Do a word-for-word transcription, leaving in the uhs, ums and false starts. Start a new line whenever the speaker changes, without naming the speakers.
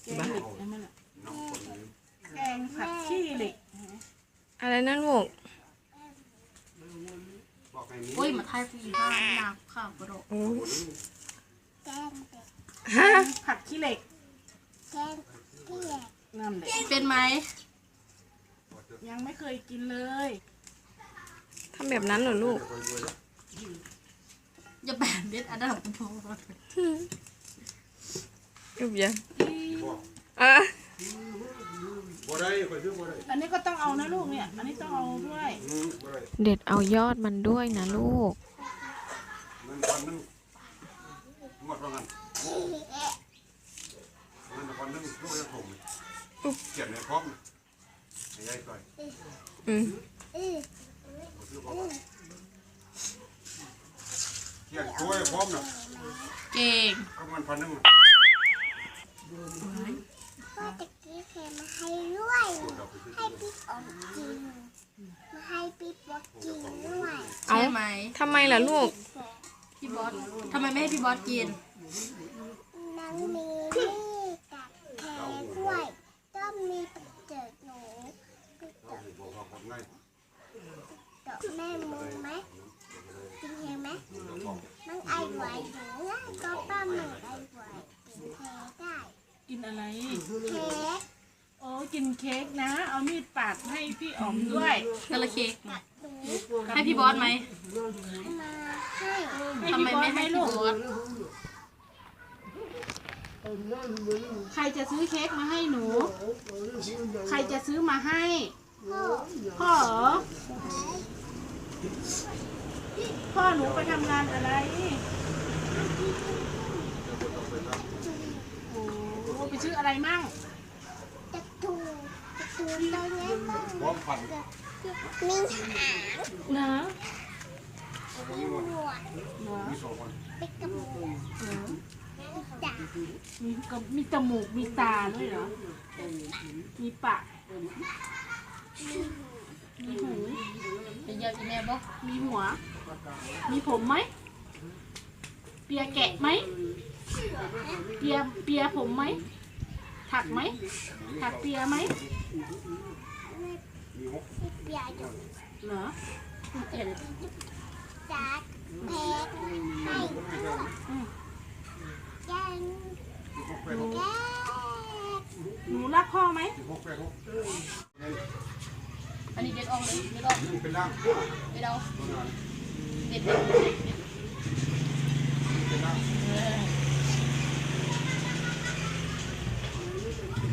แกงเหล็กนั่นแหละแกงผัดขี้เหล็ก
อะไรนั่นลูก
โอ้ยมาไทยผู้หญิงข้าวหนักข้าวกระโดด
ฮะ
ผัดขี้เหล็กนั่นแหละ
เป็นไหม
ยังไม่เคยกินเลย
ทำแบบนั้นเหรอลูก
อย่าแบบเด็ดอันดับโพ
ยุบยังอ่ะ
อันนี้ก็ต้องเอานะลูกเนี่ยอันนี้ต้องเอาด้วย
เด็ดเอายอดมันด้วยนะลูก อืม
เขียนช่วยพร้อมนะ
เก่ง
ก็มันพันนึง
ก็ตะกี้เคยมาให้ด้วยให้พี่อมกินมาให้พี่บอกกินด้วย
ใช่ไหม
ทำไมล่ะลูก
พี่บอสทำไมไม่ให้พี่บอสกิน
น้องมีนี่กับแคด้วยก็มีเจอหนูดอกแม่มือไหมกินเห็นไหมมันไอไหวหนูก็ป้าหนูไอไหวกินเค้กได้
กินอะไร
เค้ก
โอ้กินเค้กนะ เอามีดปาดให้พี่อ๋อมด้วย
กระเค้ก
หนู
ให้พี่บอสไหม
มาให้
ทำไมไม่ให้พี่บอส
ใครจะซื้อเค้กมาให้หนู ใครจะซื้อมาให้
พ่อ
พ่อเหรอ พ่อหนูไปทำงานอะไร โอ้ไปซื้ออะไรมั่ง
จะถูจะถูตัวนี้ต้อง
พร้อมพัน
มีหาง
เนอะ
มีหนวด
เนอะ
มีสองคน
เป็นกระมูกดาบ
มีกับมีจมูก มีตาด้วยเหรอ มีปาก มีหู
เป็นยาอีแม่บอก
มีหัว มีผมไหม เปียแกะไหม เปียเปียผมไหม ถักไหม ถักเปียไหม
มีหก
ที่เปียอยู่
เหรอ
เห็น
จัดเพชรให้ด้วย
อืม
ยัน
มีหกแปดหก
แก้
หนูรักพ่อไหม
มีหกแปดหก
อันนี้เด็ดออกเลยเด็ดออก
นี่เป็นล่าง
เด็ดเอา
ตัวนั้น
เด็ดเด็ด
เป็นล่าง
เ